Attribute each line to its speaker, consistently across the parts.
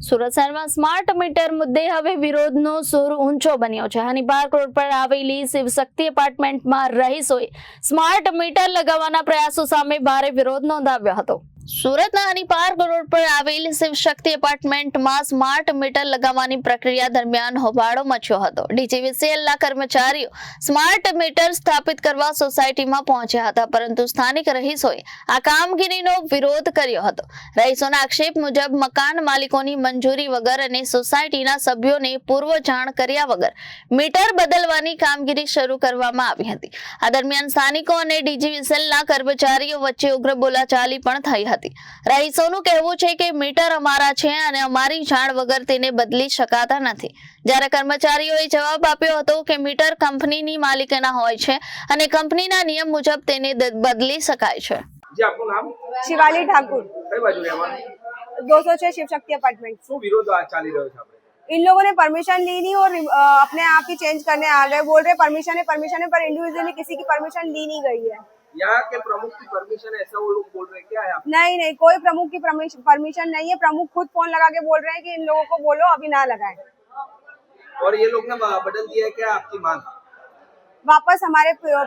Speaker 1: સુરત શહેરમાં smart meter મુદ્દે હવે વિરોધનો સૂર ઊંચો બન્યો છે। હની પાર્ક રોડ પર આવેલી શિવશક્તિ એપાર્ટમેન્ટમાં રહીશોએ સ્માર્ટ મીટર લગાવવાના પ્રયાસો સામે ભારે વિરોધ નોંધાવ્યો હતો। સુરતના હની પાર્ક રોડ પર આવેલી શિવશક્તિ એપાર્ટમેન્ટમાં સ્માર્ટ મીટર લગાવવાની પ્રક્રિયા દરમિયાન હોબાળો મચ્યો હતો। ડીજીવીસીએલના કર્મચારીઓ સ્માર્ટ મીટર સ્થાપિત કરવા સોસાયટીમાં પહોંચ્યા હતા, પરંતુ સ્થાનિક રહીશોએ આ કામગીરીનો વિરોધ કર્યો હતો। રહીશોના આક્ષેપ મુજબ મકાન માલિકોની મંજૂરી વગર અને સોસાયટીના સભ્યોને પૂર્વ જાણ કર્યા વગર મીટર બદલવાની કામગીરી શરૂ કરવામાં આવી હતી। આ દરમિયાન સ્થાનિકો અને ડીજીવીસીએલના કર્મચારીઓ વચ્ચે ઉગ્ર બોલાચાલી પણ થઈ હતી। રહીશોનું કહેવું છે કે મીટર અમારા છે અને અમારી જાણ વગર તેને બદલી શકાતા નથી। જ્યારે કર્મચારીઓએ જવાબ આપ્યો હતો કે મીટર કંપનીની માલિકીના હોય છે અને કંપનીના નિયમ મુજબ તેને બદલી શકાય છે।
Speaker 2: जी आपको नाम
Speaker 3: शिवाली ठाकुर
Speaker 2: कई बाजू रहवाना
Speaker 3: 206 शिव शक्ति अपार्टमेंट।
Speaker 2: શું વિરોધ આ ચાલી રહ્યો છે આપણે?
Speaker 3: इन लोगों ने परमिशन ली नहीं और अपने आप ही चेंज करने आ गए। बोल रहे परमिशन है पर इंडिविजुअली किसी की परमिशन ली नहीं गई है।
Speaker 2: यहाँ के प्रमुख की परमिशन है ऐसा वो लोग बोल रहे हैं, क्या है आप?
Speaker 3: नहीं, कोई प्रमुख की परमिशन नहीं है। प्रमुख खुद फोन लगा के बोल रहे हैं कि इन लोगों को बोलो अभी ना लगाएं।
Speaker 2: और ये लोग ने बदल दिया है क्या आपकी मांग?
Speaker 3: वापस हमारे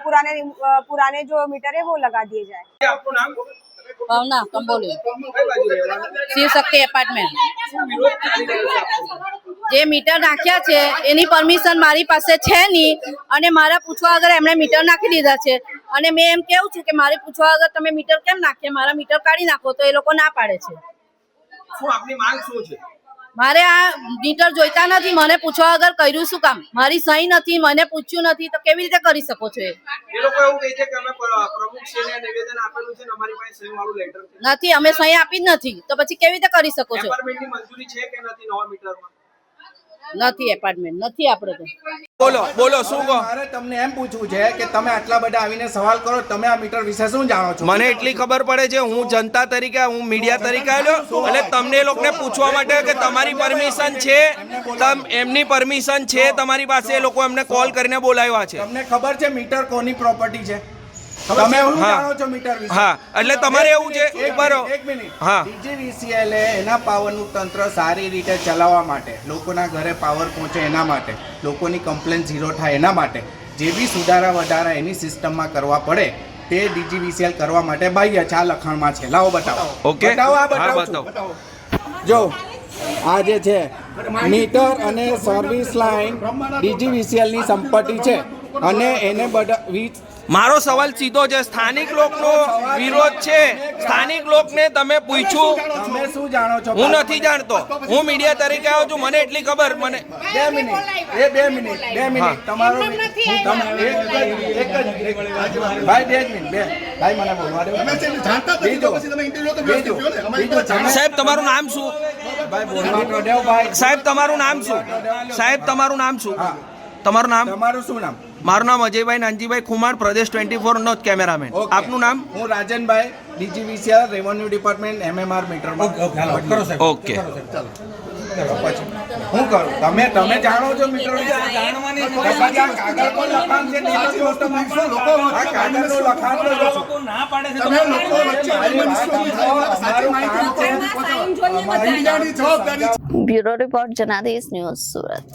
Speaker 3: पुराने जो मीटर है वो लगा दिए जाए।
Speaker 2: आपको नाम
Speaker 4: ભાવના કંબોલી
Speaker 2: કઈ બાજુ રહેવાના?
Speaker 4: શિવ શક્તિ એપાર્ટમેન્ટ।
Speaker 2: શું વિરોધ ચાલી રહ્યો છે આપનો?
Speaker 4: જે મીટર નાખ્યા છે એની પરમિશન મારી પાસે છે નહીં અને મારા પૂછવા વગર એમણે મીટર નાખી દીધા છે અને મેં એમ કેવું છું કે મારે પૂછવા વગર તમે મીટર કેમ નાખીએ, મારા મીટર કાઢી નાખો, તો એ લોકો ના પાડે છે।
Speaker 2: શું આપની માંગ શું છે?
Speaker 4: મારે આ મીટર જોઈતા નથી, મને પૂછવા વગર કર્યું શું કામ? મારી સહી નથી, મને પૂછ્યું નથી, તો કેવી રીતે કરી શકો છો?
Speaker 2: એ લોકો એવું કહે છે કે અમે પ્રમુખશ્રીને નિવેદન આપેલું છે ને અમારી પાસે સહી વાળું લેટર છે।
Speaker 4: નથી, અમે સહી આપી જ નથી, તો પછી કેવી રીતે કરી શકો છો?
Speaker 2: એપાર્ટમેન્ટની મંજૂરી છે કે નથી નવા મીટરમાં?
Speaker 4: નથી, એપાર્ટમેન્ટ નથી આપણે તો।
Speaker 5: બોલો શું કહો? મારે તમને એમ પૂછવું છે કે તમે આટલા બધા આવીને સવાલ કરો, તમે આ મીટર વિશે શું જાણો છો?
Speaker 6: મને એટલી ખબર પડે છે, હું જનતા તરીકે, હું મીડિયા તરીકે આવ્યો એટલે તમને લોકોને પૂછવા માટે કે તમારી પરમિશન છે, એમની પરમિશન છે તમારી પાસે, એ લોકો એમને કોલ કરીને બોલાવ્યા છે।
Speaker 5: તમને ખબર છે મીટર કોની પ્રોપર્ટી છે? તમે શું જાણો છો મીટર વિશે?
Speaker 6: હા, એટલે તમારે એવું છે
Speaker 5: એક મિનિટ હા, ડીજીવીસીએલ એના પાવરનું તંત્ર સારી રીતે ચલાવવા માટે, લોકોના ઘરે પાવર પહોંચે એના માટે, લોકોની કમ્પ્લેન ઝીરો થાય એના માટે જે બી સુધારા વધારા એની સિસ્ટમમાં કરવા પડે તે ડીજીવીસીએલ કરવા માટે બાહ્ય છે। આ લખાણમાં છે, લાવો બતાવો।
Speaker 6: ઓકે,
Speaker 5: બતાવો, આ
Speaker 6: હા,
Speaker 5: બતાવો। જો આ જે છે મીટર અને સર્વિસ લાઇન ડીજીવીસીએલ ની સંપત્તિ છે અને એને બધા
Speaker 6: મારો સવાલ સીધો છે, સ્થાનિક લોકનો વિરોધ છે, સ્થાનિક લોકને તમે પૂછ્યું?
Speaker 5: તમે શું જાણો છો?
Speaker 6: હું નથી જાણતો, હું મીડિયા તરીકે આવ્યો છું, મને એટલી ખબર। મને
Speaker 5: 2 મિનિટ તમારો ભાઈ 2 મિનિટ ભાઈ મને બોલવા દો।
Speaker 6: સાહેબ તમારું નામ શું?
Speaker 5: ભાઈ બોલવા તો દેવ ભાઈ।
Speaker 6: સાહેબ તમારું નામ શું? સાહેબ તમારું નામ શું? તમારું નામ?
Speaker 5: તમારું શું નામ?
Speaker 6: મારું નામ અજયભાઈ નાનજીભાઈ ખુમાણ, પ્રદેશ 24 નો કેમેરામેન। આપનું નામ?
Speaker 5: હું Rajanbhai, DGVCL revenue department MMR meter.
Speaker 6: Okay,
Speaker 5: હું કરું? તમે જાણો છો મીટર વિશે? કાગળ પર લખાણ છે, કાગળનું લખાણ ના પાડે છે,
Speaker 1: bureau report Janadesh news Surat.